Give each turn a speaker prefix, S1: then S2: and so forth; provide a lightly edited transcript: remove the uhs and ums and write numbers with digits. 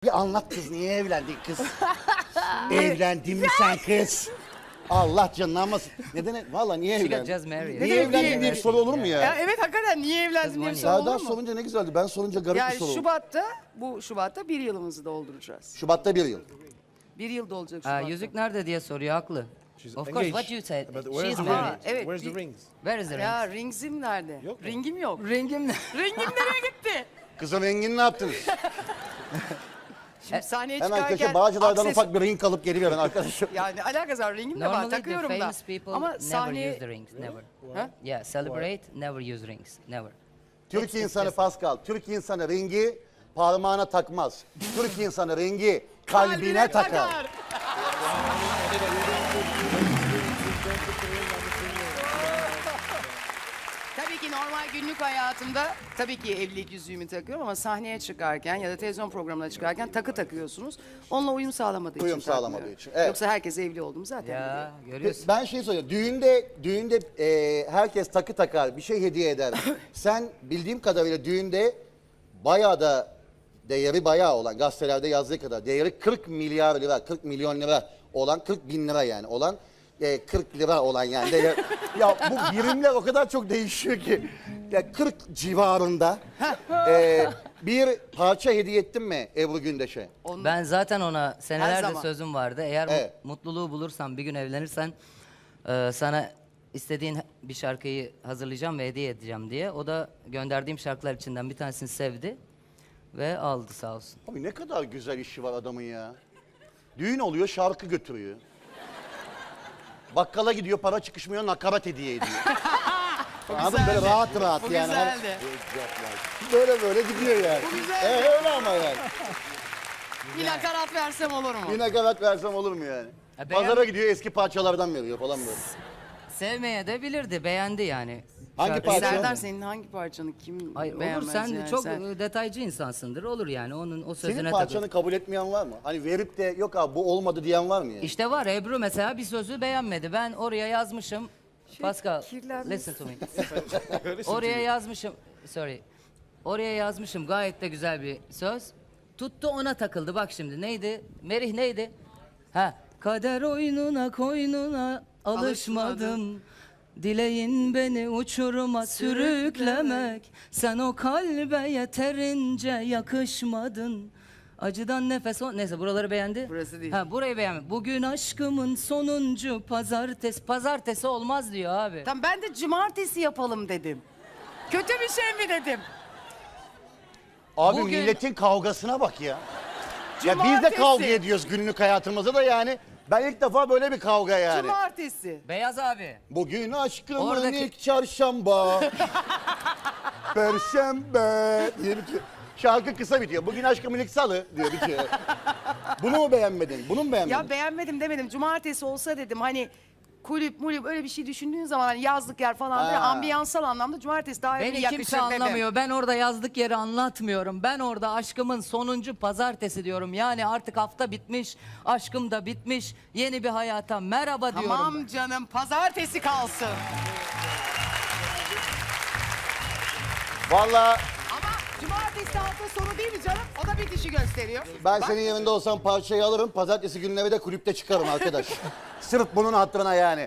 S1: Bir anlat kız, niye evlendin kız? Evlendin mi sen kız? Allah canını almasın. Neden? Valla niye
S2: She got
S1: evlendin?
S2: just married.
S1: Niye evlendin diye bir soru olur mu
S3: Ya
S1: ya?
S3: evet hakikaten niye evlendin diye bir soru olur
S1: Serdar
S3: mu?
S1: sorunca ne güzeldi. Ben sorunca garip bir
S3: Yani
S1: soru oldu.
S3: Şubat'ta bir yılımızı dolduracağız.
S1: Şubat'ta 1 yıl.
S3: Bir yıl dolacak
S2: Aa,
S3: Şubat'ta.
S2: yüzük nerede diye soruyor, haklı. Of course, what you said.
S4: But where's
S2: She's
S4: the
S2: married.
S4: ring?
S3: Evet,
S4: Where's
S3: bir-
S4: the rings?
S2: Where is the ring?
S3: Ya ringsim nerede?
S4: Yok mu?
S3: Ringim yok.
S2: Ringim ne?
S3: Ringim nereye gitti?
S1: Kızın rengini ne yaptınız?
S3: Şimdi sahneye
S1: Hemen
S3: çıkarken...
S1: köşe Bağcılar'dan
S3: akses-
S1: ufak bir ring alıp geri verin arkadaşım.
S3: Yani alakası var ringim de var
S2: Normally the
S3: takıyorum da.
S2: famous people
S3: Ama
S2: never
S3: sahneye...
S2: use the rings, never.
S3: Ha?
S2: Yeah, celebrate, never use rings, never.
S1: Türk insanı Pascal, Türk insanı ringi parmağına takmaz. Türk insanı ringi kalbine takar.
S3: Tabii ki normal günlük hayatımda tabii ki evlilik yüzüğümü takıyorum ama sahneye çıkarken ya da televizyon programına çıkarken takı takıyorsunuz. Onunla uyum sağlamadığı
S1: Uyum
S3: için
S1: sağlamadığı
S3: takmıyorum.
S1: için, evet.
S3: Yoksa herkes evli oldum zaten.
S2: Ya, görüyorsun.
S1: Ben şey soruyorum. Düğünde herkes takı takar, bir şey hediye eder. Sen bildiğim kadarıyla düğünde bayağı da değeri bayağı olan, gazetelerde yazdığı kadar değeri 40 milyar lira, 40 milyon lira olan, 40 bin lira yani olan 40 lira olan yani. Ya bu birimler o kadar çok değişiyor ki. Ya 40 civarında bir parça hediye ettin mi Ebru Gündeş'e?
S2: Ben zaten ona senelerde
S3: zaman.
S2: sözüm vardı. Eğer
S1: Evet.
S2: mutluluğu bulursan, bir gün evlenirsen sana istediğin bir şarkıyı hazırlayacağım ve hediye edeceğim diye. O da gönderdiğim şarkılar içinden bir tanesini sevdi ve aldı sağ olsun.
S1: Abi ne kadar güzel işi var adamın ya. Düğün oluyor, şarkı götürüyor. Bakkala gidiyor, para çıkışmıyor, nakarat hediye ediyor. Anladın mı? Böyle
S3: güzeldi.
S1: rahat rahat
S3: Bu
S1: yani. Hani
S3: güzeldi.
S1: böyle gidiyor yani.
S3: Bu güzeldi.
S1: Öyle ama yani.
S3: Bir nakarat versem olur mu?
S1: Bir nakarat versem olur mu yani?
S2: beğen-
S1: Pazara gidiyor, eski parçalardan veriyor falan böyle.
S2: Sevmeye de bilirdi, beğendi yani.
S1: Hangi
S2: Şarkıyı-
S1: parça?
S3: Serdar senin hangi parçanı kim
S2: Ay olur,
S3: beğenmez
S2: sen
S3: yani?
S2: çok detaycı insansındır, olur yani onun o sözüne
S1: Senin
S2: takıl.
S1: parçanı kabul etmeyen var mı? Hani verip de yok abi bu olmadı diyen var mı yani?
S2: İşte var, Ebru mesela bir sözü beğenmedi. Ben oraya yazmışım. Pascal,
S3: kirlenmiş.
S2: listen to me. Oraya yazmışım, sorry. Oraya yazmışım gayet de güzel bir söz. Tuttu ona takıldı, bak şimdi neydi? Merih neydi? Ha, kader oyununa koynuna alışmadım. Dileğin beni uçuruma sürüklemek. Sen o kalbe yeterince yakışmadın. Acıdan nefes o... Neyse buraları beğendi.
S3: Burası değil.
S2: Ha, burayı beğenmedi. Bugün aşkımın sonuncu pazartesi. Pazartesi olmaz diyor abi.
S3: Tamam ben de cumartesi yapalım dedim. Kötü bir şey mi dedim?
S1: Abi
S2: Bugün-
S1: milletin kavgasına bak ya. Ya biz de
S3: Cumartesi.
S1: kavga ediyoruz günlük hayatımızda da yani. Ben ilk defa böyle bir kavga yani.
S3: Cumartesi.
S2: Beyaz abi.
S1: Bugün aşkımın
S2: Oradaki-
S1: ilk çarşamba. Perşembe diye bitiyor. Şarkı kısa bitiyor. Bugün aşkımın ilk salı diyor bitiyor. Bunu mu beğenmedin? Bunu mu beğenmedin?
S3: Ya beğenmedim demedim. Cumartesi olsa dedim hani kulüp mulüp öyle bir şey düşündüğün zaman hani yazlık yer falan böyle
S1: Ha.
S3: ambiyansal anlamda cumartesi daha iyi
S2: Beni
S3: yakışır
S2: kimse
S3: dedim.
S2: anlamıyor. Ben orada yazdık yeri anlatmıyorum. Ben orada aşkımın sonuncu pazartesi diyorum. Yani artık hafta bitmiş, aşkım da bitmiş. Yeni bir hayata merhaba diyorum.
S3: Tamam canım pazartesi kalsın.
S1: Vallahi
S3: Ama cumartesi hafta sonu değil mi canım? O da bitişi gösteriyor.
S1: ben
S3: Bak,
S1: senin yerinde olsam parçayı alırım. Pazartesi günleri de kulüpte çıkarım arkadaş. Sırf bunun hatırına yani.